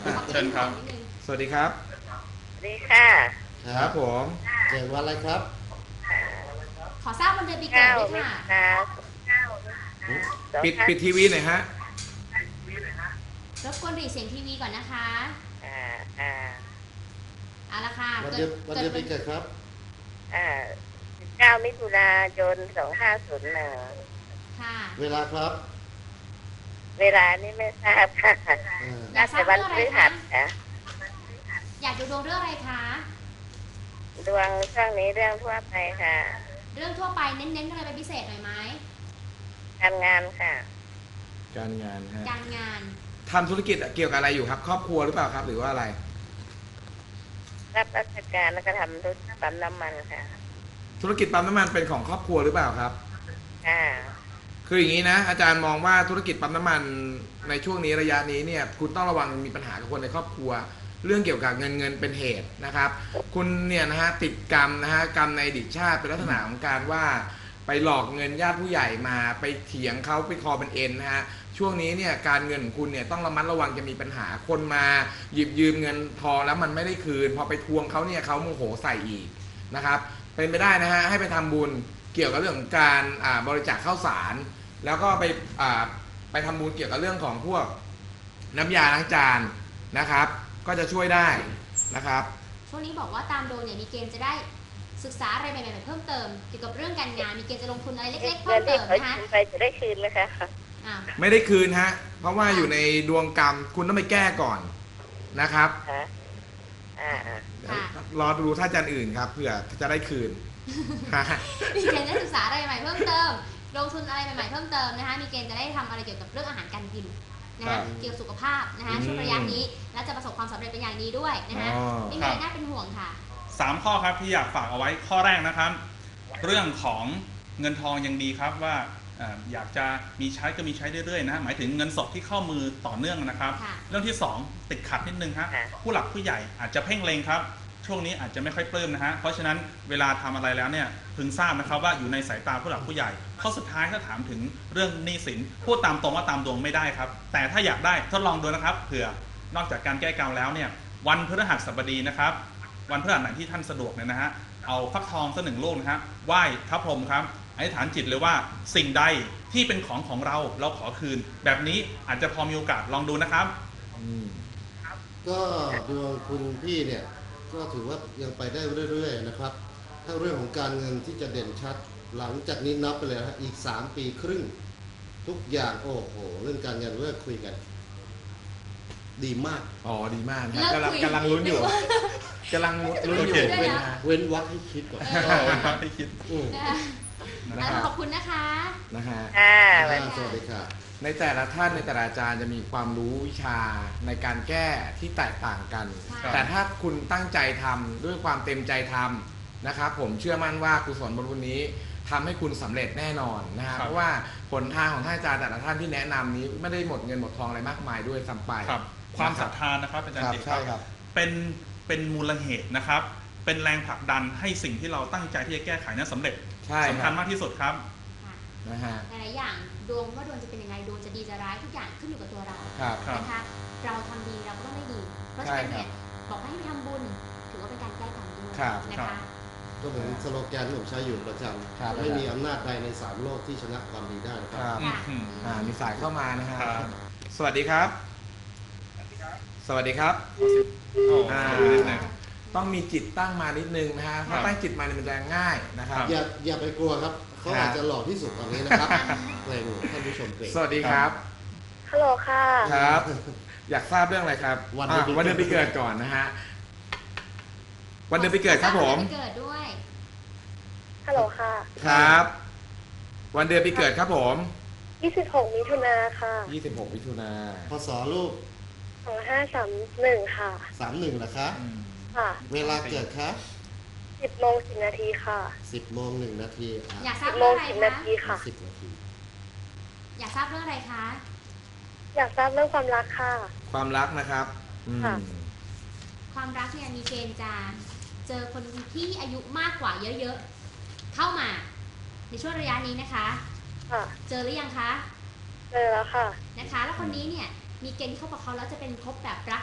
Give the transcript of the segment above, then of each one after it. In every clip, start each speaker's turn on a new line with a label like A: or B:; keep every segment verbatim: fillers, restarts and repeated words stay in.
A: เชิญครับ
B: สวัสดีครับ
C: สวัสดีค่ะ
B: ครับผม
D: เกิดวันอะไรครับ
A: ขอทราบวันเดือนปีเกิดด้วยค่ะ
B: ปิดปิดทีวีหน่อยฮะ
A: รบกวนหลีเสียงทีวีก่อนนะคะ
C: อ่าอ่า
A: เอาละค่ะ
D: วันเดือนวันเดือนปีเกิดครับ
C: อ่าสิบเก้ามิถุนายนสองห้าศูนย์หนึ่ง
A: ค่ะ
D: เวลาครับ
C: เวลานี่ไม่ทราบค่ะ
A: อยากทราบเรื่องอะไรคะอยากดูดวงเรื่องอะไรคะ
C: ดวงช่วงนี้เรื่องทั่วไปค่ะ
A: เรื่องทั่วไปเน้นๆอะไรเป็นพิเศษหน่อยไหม
C: การงานค่ะ
B: การงานฮะ
A: การงาน
B: ทำธุรกิจเกี่ยวกับอะไรอยู่ครับครอบครัวหรือเปล่าครับหรือว่าอะไร
C: รับราชการแล้วก็ทำธุรกิจปั๊มน้ำมันค่ะ
B: ธุรกิจปั๊มน้ำมันเป็นของครอบครัวหรือเปล่าครับ
C: ค่ะ
B: คืออย่างนี้นะอาจารย์มองว่าธุรกิจปั๊มน้ำมันในช่วงนี้ระยะนี้เนี่ยคุณต้องระวังมีปัญหากับคนในครอบครัวเรื่องเกี่ยวกับเงินเงินเป็นเหตุนะครับคุณเนี่ยนะฮะติดกรรมนะฮะกรรมในอดีตชาติเป็นลักษณะของการว่าไปหลอกเงินญาติผู้ใหญ่มาไปเถียงเขาไปคอเป็นเอ็นนะฮะช่วงนี้เนี่ยการเงินของคุณเนี่ยต้องระมัดระวังจะมีปัญหาคนมาหยิบยืมเงินทองแล้วมันไม่ได้คืนพอไปทวงเขาเนี่ยเขาโมโหใส่อีกนะครับเป็นไปได้นะฮะให้ไปทำบุญเกี่ยวกับเรื่องของการบริจาคข้าวสารแล้วก็ไปไปทำบุญเกี่ยวกับเรื่องของพวกน้ำยาล้างจานนะครับก็จะช่วยได้นะครับ
A: ช่วงนี้บอกว่าตามโดนเนี่ยมีเกณฑ์จะได้ศึกษาอะไรใหม่ๆเพิ่มเติมเกี่ยวกับเรื่องการงานมีเกณฑ์จะลงทุนอะไรเล็กๆเพิ่มเติมนะคะ
C: ไปจะได้คืนไหมคะ
B: ไม่ได้คืนฮะเพราะว่าอยู่ในดวงกรรมคุณต้องไปแก้ก่อนนะครับรอดูท่าจันอื่นครับเพื่อจะได้คืน
A: มีเกณฑ์จะศึกษาอะไรใหม่เพิ่มเติมลงทุนอะไรใหม่ๆเพิ่มเติมนะคะมีเกณฑ์จะได้ทำอะไรเกี่ยวกับเรื่องอาหารการกินนะคะเกี่ยวกับสุขภาพนะคะช่วงระยะนี้และจะประสบความสำเร็จเป็นอย่างดีด้วยนะคะไม่มีอะไรน่าเป็นห่วงค่ะ
E: สามข้อครับที่อยากฝากเอาไว้ข้อแรกนะครับเรื่องของเงินทองยังดีครับว่าอยากจะมีใช้ก็มีใช้เรื่อยๆนะหมายถึงเงินสดที่เข้ามือต่อเนื่องนะครับเรื่องที่สองติดขัดนิดนึงครับผู้หลักผู้ใหญ่อาจจะเพ่งเล็งครับช่วงนี้อาจจะไม่ค่อยปลื้มนะฮะเพราะฉะนั้นเวลาทำอะไรแล้วเนี่ยพึงทราบนะครับว่าอยู่ในสายตาผู้หลักผู้ใหญ่ข้อสุดท้ายถ้าถามถึงเรื่องหนี้สินพูดตามตรงว่าตามดวงไม่ได้ครับแต่ถ้าอยากได้ทดลองดูนะครับเผื่อนอกจากการแก้กรรมแล้วเนี่ยวันพฤหัสบดีนะครับวันพฤหัสไหนที่ท่านสะดวกเนี่ยนะฮะเอาฟักทองสักหนึ่งลูกนะครับไหว้พระพรหมครับอธิษฐานจิตเลยว่าสิ่งใดที่เป็นของของเราเราขอคืนแบบนี้อาจจะพอมีโอกาสลองดูนะครับ
D: ก็ดวงคุณพี่เนี่ยก็ถือว่ายังไปได้เรื่อยๆนะครับถ้าเรื่องของการเงินที่จะเด่นชัดหลังจากนี้นับไปเลยนะอีกสามปีครึ่งทุกอย่างโอ้โหเรื่องการเงินเลิกคุยกันดีมาก
B: อ๋อดีมากครับกำลังกำลังลุ้นอยู่กำลังลุ้นอยู่
D: เว้นวักให้คิดก่อน
E: ให้คิด
A: ขอบคุณนะคะ
B: นะฮะ
D: สวัสดีค่ะ
B: ในแต่ละท่านในแต่ละอาจารย์จะมีความรู้วิชาในการแก้ที่แตกต่างกันแต่ถ้าคุณตั้งใจทำด้วยความเต็มใจทำนะครับผมเชื่อมั่นว่ากุศลบุญนี้ทำให้คุณสำเร็จแน่นอนนะฮะเพราะว่าผลทางของท่านอาจารย์แต่ละท่านที่แนะนำนี้ไม่ได้หมดเงินหมดทองอะไรมากมายด้วยซ้ำไป
E: ความศรัทธานะครับอาจารย์จิตครับเป็นเป็นมูลเหตุนะครับเป็นแรงผลักดันให้สิ่งที่เราตั้งใจที่จะแก้ไขนั้นสำเร็จสำคัญมากที่สุดครับ
B: นะฮะ
A: หลายอย่างดวงว่าดวงจะเป็นยังไงดวงจะดีจะร้ายทุกอย่างขึ้นอยู่กับตัวเรานะคะเราทำดีเราก็ต้องได้ดีเพราะฉะนั้นเนี่ยบอกให้ทำบุญถือว่าเป็นการแก้กรรมด้วยนะคะ
D: ก็เหมือนสโลแกนที่ผมใช้อยู่ประจำไม่มีอำนาจใดในสามโลกที่ชนะความดีได้นะครับ
B: มีสายเข้ามานะฮะสวัสดีครับสวัสดีครับต้องมีจิตตั้งมานิดนึงนะฮะถ้าตั้งจิตมาเนี่ยมันจะง่ายนะครับ
D: อย่าอย่าไปกลัวครับเขาอาจจะหล่อที่สุดตอนนี้นะครับเลยท่านผู้ชมเกรด
B: สวัสดีครับ
C: ฮัลโหลค่ะ
B: ครับอยากทราบเรื่องอะไรครับวันเดือนปีเกิดก่อนนะฮะวันเดือนปีเกิดครับผม
A: เกิดด้วย
C: ฮัลโหลค่ะ
B: ครับวันเดือนปีเกิดครับผม
C: ยี่สิบหกมิถุนาค่ะ
B: ยี่สิบหกมิถุนา
D: พศลูก
C: สองห้าสามหนึ่งค่ะ
D: สามหนึ่งเหรอคะ
C: ค่ะ
D: เวลาเกิดคะ
C: สิบโมงสิบนาทีค่ะ
D: สิบโมงหนึ่งนาที
A: อยากทราบเรื่องอะไรคะ
C: นาทีค่ะ
D: สิบนาที
A: อยากทราบเรื่องอะไรคะ
C: อยากทราบเรื่องความรักค่ะ
B: ความรักนะครับ
A: ความรักเนี่ยมีเกณฑ์จะเจอคนที่อายุมากกว่าเยอะๆเข้ามาในช่วงระยะนี้นะคะเจอหรือยังคะ
C: เจอแล้วค่ะ
A: นะคะแล้วคนนี้เนี่ยมีเกณฑ์ที่คบกับเขาแล้วจะเป็นคบแบบรักสามเศร้า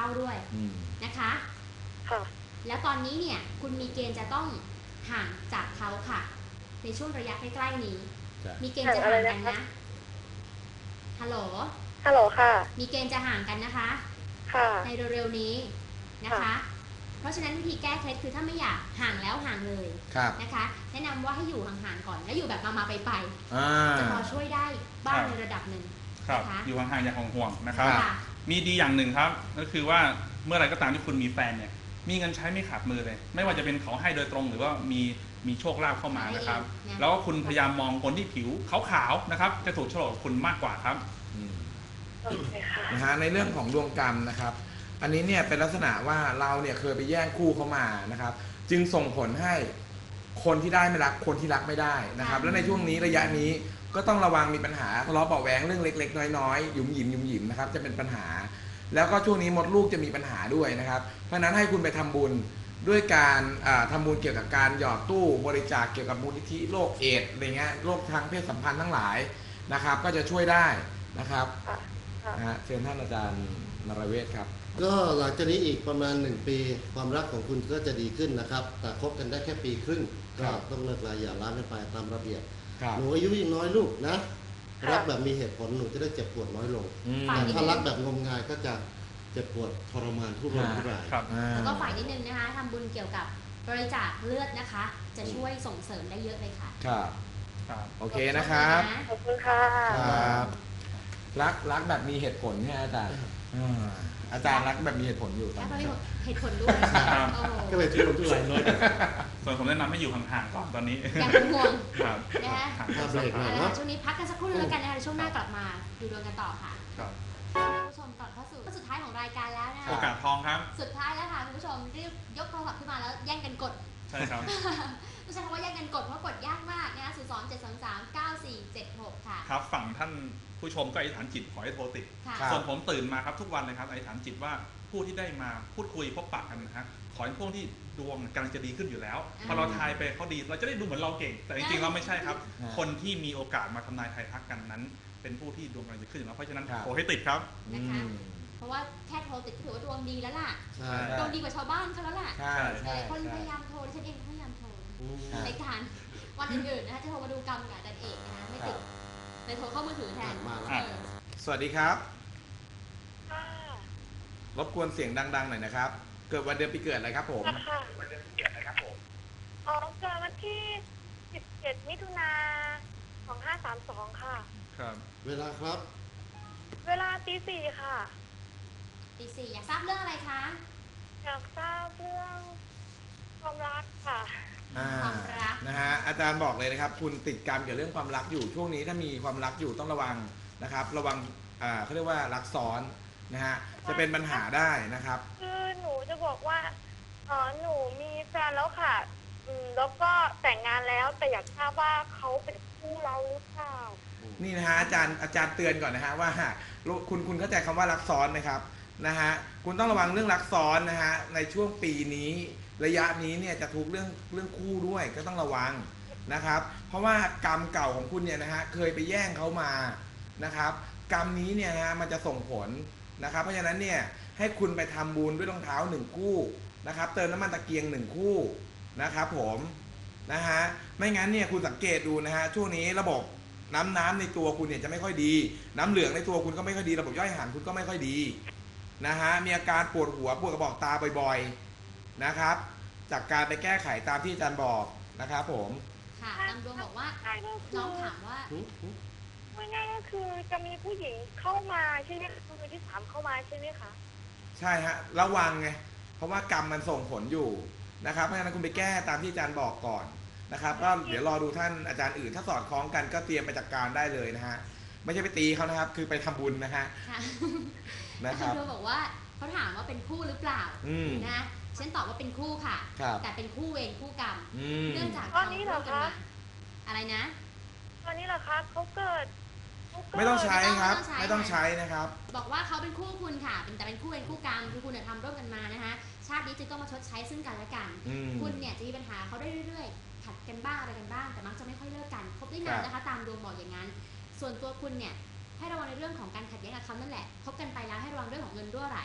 A: าด้วย
B: อืม
A: นะคะ
C: ค่ะ
A: แล้วตอนนี้เนี่ยคุณมีเกณฑ์จะต้องห่างจากเขาค่ะ ในช่วงระยะใกล้ๆนี้
B: จ้ะ
A: มีเกณฑ์จะห่างกันนะฮัลโหล
C: ฮัลโหลค่ะ
A: มีเกณฑ์จะห่างกันนะคะ
C: ค่ะ
A: ในเร็วๆนี้นะคะ
C: ค่ะ
A: เพราะฉะนั้นวิธีแก้เคล็ดคือถ้าไม่อยากห่างแล้วห่างเลย
B: ครับ
A: นะคะ แนะนำว่าให้อยู่ห่างๆก่อน แล้วอยู่แบบมาๆไปๆ
B: อ่า
A: จะพอช่วยได้บ้างในระดับหนึ่ง
E: ครับ
A: นะคะ
E: อยู่ห่างๆอย่างห่วงๆนะครับ
B: ครับ
A: ค่ะ
E: มีดีอย่างหนึ่งครับก็คือว่าเมื่อไหรก็ตามที่คุณมีแฟนเนี่ยมีเงินใช้ไม่ขาดมือเลย ไม่ว่าจะเป็นเขาให้โดยตรงหรือว่ามีมีโชคลาภเข้ามานะครับ
A: นะ
E: แล้วก็คุณพยายามมองคนที่ผิวขาวๆนะครับจะถูกโฉลกกับคุณมากกว่าครับ
B: อืม
C: โอเคค่ะ
B: นะฮะในเรื่องของดวงกรรมนะครับ อันนี้เนี่ยเป็นลักษณะว่าเราเนี่ยเคยไปแย่งคู่เขามานะครับ จึงส่งผลให้คนที่ได้ไม่รักคนที่รักไม่ได้นะครับ และในช่วงนี้ระยะนี้ก็ต้องระวังมีปัญหาทะเลาะเบาะแหวงเรื่องเล็กๆน้อยๆหยุมหยิมหยุมหยิมนะครับจะเป็นปัญหา แล้วก็ช่วงนี้มดลูกจะมีปัญหาด้วยนะครับ เพราะฉะนั้นให้คุณไปทำบุญด้วยการอ่าทำบุญเกี่ยวกับการหยอดตู้บริจาคเกี่ยวกับมูลนิธิโรคเอดส์อะไรเงี้ยโรคทางเพศสัมพันธ์ทั้งหลายนะครับ ก็จะช่วยได้นะครับ
C: ค่ะค่ะ
B: นะฮะเชิญท่านอาจารย์นรเวศครับ
D: ก็หลังจากนี้อีกประมาณหนึ่งปีความรักของคุณก็จะดีขึ้นนะครับ แต่คบกันได้แค่ปีครึ่ง
B: ค
D: ก็
B: รับ
D: ต้องเลิกลาอย่าร้างกันไปตามระเบียบ
B: ครับ
D: หนูอายุยังน้อยลูกนะ
C: ค่ะ
D: รักแบบมีเหตุผลหนูจะได้เจ็บปวดน้อยลง
B: อืม
A: ฝ่าย
D: แต่ถ้ารักแบบงมงายก็จะเจ็บปวดทรมานทุรนทุราย
E: ครับ
B: อ่า
A: แล้วก็ฝ่ายนิดนึงนะคะทำบุญเกี่ยวกับบริจาคเลือดนะคะ จะช่วยส่งเสริมได้เยอะเลยค่ะ
B: ครับ
E: ครับ
B: โอเคนะครับ
C: ขอบคุณค่ะ
B: ครับรักรักแบบมีเหตุผลเนี่ยอาจารย์อ่าอาจารย์รักแบบมีเหตุผลอยู่ตอ
A: แล้ว
B: น
A: ก็
B: นี้
A: มีเหตุผลด้วยค่ะโอ้โห
D: ก็เลยทุรนทุรายน้อย
E: ส่วนผมแนะนำให้อยู่ห่างๆก่อนตอนนี้
A: อย่าเป็นห่วง
E: ครับ
A: นะฮะ
E: ห่าง
D: ถ้า
E: ๆ
D: เบรกหน่อย
A: เอาละ
D: เนาะ
A: ค่ะช่วงนี้พักกันสักครู่นึงแล้วกันนะคะเดี๋ยวช่วงหน้ากลับมาดูดวงกันต่อค่ะ
E: ครับ
A: คุณผู้ชมก่อนเข้าสู่สุดท้ายของรายการแล้วนะ
E: โอ
A: คะ
E: กาสทองครับ
A: สุดท้ายแล้วค่ะคุณผู้ชมรีบยกโทรศัพท์ขึ้นมาแล้วแย่งกันกด
E: ใช่ครับ
A: ไม่ใช่คำว่าแย่งกันกดเพราะกดยากมากนะคะศูนย์สองเจ็ดสองสามเก้าสี่เจ็ดหกค่ะ
E: ครับฝั่งท่านผู้ชมก็อธิษฐานจิตขอให้โทรติด
A: ค่ะ
B: ครับ
E: ส่วนผมตื่นมาครับทุกวันเลยครับอธิษฐานจิตว่าผู้ที่ได้มาพูดคุยพบปะกันนะฮะขอให้พวกที่ดวงกำลังจะดีขึ้นอยู่แล้ว
A: อ่า
E: พอเราทายไปเขาดีเราจะได้ดูเหมือนเราเก่ง แต่จริงๆเราไม่ใช่ครับ
B: อ่า
E: คนที่มีโอกาสมาทำนายทายทักกันนั้น เป็นผู้ที่ดวงกำลังจะขึ้นอยู่แล้วเพราะฉะนั้น
B: ครับ
E: โทรให้ติดครับ
B: อืม
A: เพราะว่าแค่โทรติดก็ถือว่าดวงดีแล้วล่ะ
D: ใช่
A: ดวงดีกว่าชาวบ้านเขาแล้วล่ะ
B: ใช่
A: ห
B: ใช่
A: ลายๆคน
B: ใช่
A: พยายามโทรดิฉันเองก็พยายามโทร
D: อืม
B: ครับ
A: ในการวันอื่นๆนะคะจะโทรมาดูกรรมกับอาจารย์เอกนะคะไม่ติดเลยโทรเข้ามือถือแทน
D: มาแล้ว
A: เออ
B: สวัสดีครับ
C: ค่ะ
B: รบกวนเสียงดังๆหน่อยนะครับ เกิดวันเดือนปีเกิดอะไรครับผม
C: ค่ะวันเดือนเกิดอะไรครับผม อ๋อเกิดวันที่สิบเจ็ดมิถุนาสองห้าสามสองค่ะ
E: ครับ
D: เวลาครับ
C: เวลาตีสี่ค่ะ
A: ตีสี่อยากทราบเรื่องอะไรคะ
C: อยากทราบเรื่องความรักค่ะ
B: อ่า
A: ความรัก
B: นะฮะอาจารย์บอกเลยนะครับ คุณติดกรรมเกี่ยวกับเรื่องความรักอยู่ช่วงนี้ถ้ามีความรักอยู่ต้องระวังนะครับ ระวังอ่าเขาเรียกว่ารักซ้อนนะฮะจะเป็นปัญหาได้นะครับ
C: คือหนูจะบอกว่าเออหนูมีแฟนแล้วค่ะ อืมแล้วก็แต่งงานแล้วแต่อยากทราบว่าเขาเป็นคู่เราหรือเปล่า
B: นี่นะฮะอาจารย์อาจารย์เตือนก่อนนะฮะว่าคุณคุณเข้าใจคำว่ารักซ้อนไหมครับนะฮะคุณต้องระวังเรื่องรักซ้อนนะฮะในช่วงปีนี้ระยะนี้เนี่ยจะทุกเรื่องเรื่องคู่ด้วยก็ต้องระวังนะครับ เพราะว่ากรรมเก่าของคุณเนี่ยนะฮะเคยไปแย่งเขามานะครับ กรรมนี้เนี่ยนะฮะมันจะส่งผลนะครับ เพราะฉะนั้นเนี่ยให้คุณไปทำบุญด้วยรองเท้าหนึ่งคู่นะครับ เติมน้ำมันตะเกียงหนึ่งคู่นะครับผมนะฮะไม่งั้นเนี่ยคุณสังเกตดูนะฮะช่วงนี้ระบบน้ำน้ำในตัวคุณเนี่ยจะไม่ค่อยดี น้ำเหลืองในตัวคุณก็ไม่ค่อยดี ระบบย่อยอาหารคุณก็ไม่ค่อยดีนะฮะมีอาการปวดหัวปวดกระบอกตาบ่อยๆนะครับจากการไปแก้ไขตามที่อาจารย์บอกนะครับผม
A: ค่ะตามดวงบอกว่า
C: ใช่ก็คื
A: น้อง
C: อ
A: ถามว่า
C: ไม่ง่ายก็คือจะมีผู้หญิงเข้ามาใช่ไหมคือมือที่สามเข้ามาใช่ไหมคะ
B: ใช่ฮะระวังไงเพราะว่ากรรมมันส่งผลอยู่นะครับเพราะฉะนั้นคุณไปแก้ตามที่อาจารย์บอกก่อนนะครับก็เดี๋ยวรอดูท่านอาจารย์อื่นถ้าสอดคล้องกันก็เตรียมไปจัดการได้เลยนะฮะไม่ใช่ไปตีเขานะครับคือไปทำบุญนะฮะ
A: ค่ะ
B: นะครับ
A: ดวงบอกว่าเขาถามว่าเป็นคู่หรือเปล่า
B: อืม
A: นะฉันตอบว่าเป็นคู่ค่ะ
B: ครับ
A: แต่เป็นคู่เวรคู่กรรม
B: อืม
A: เนื่องจาก
C: ตอนนี้เหรอ
A: ทำร่วมกั
C: คะ
A: นมาอะไรนะ
C: ตอนนี้เหรอคะเขาเกิดเขาเกิด
B: ไม่ต้องใช้ครับ
A: ไม่
B: ไม่
A: ต้
B: ต้
A: อ
B: อง ง
A: ใช้
B: ใช้นะครับ
A: บอกว่าเขาเป็นคู่คุณค่ะเป็นแต่เป็นคู่เวรคู่กรรมคือคุณเนี่ยทำร่วมกันมานะคะชาตินี้จึงต้องมาชดใช้ซึ่งกันและกัน
B: อืม
A: คุณเนี่ยจะมีปัญหาเขาได้เรื่อยๆขัดกันบ้างอะไรกันบ้าง แต่มักจะไม่ค่อยเลิกกันคบได้นานนะคะ ตามดวงบอกอย่างนั้น ส่วนตัวคุณเนี่ยให้ระวังในเรื่องของการขัดแย้งกับเขานั่นแหละคบกันไปแล้วให้ระวังเรื่องของเงินรั่วไหล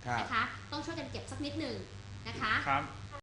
B: ครับ
A: นะคะ ต้องช่วยกันเก็บสักนิดหนึ่งนะคะ
E: ครับ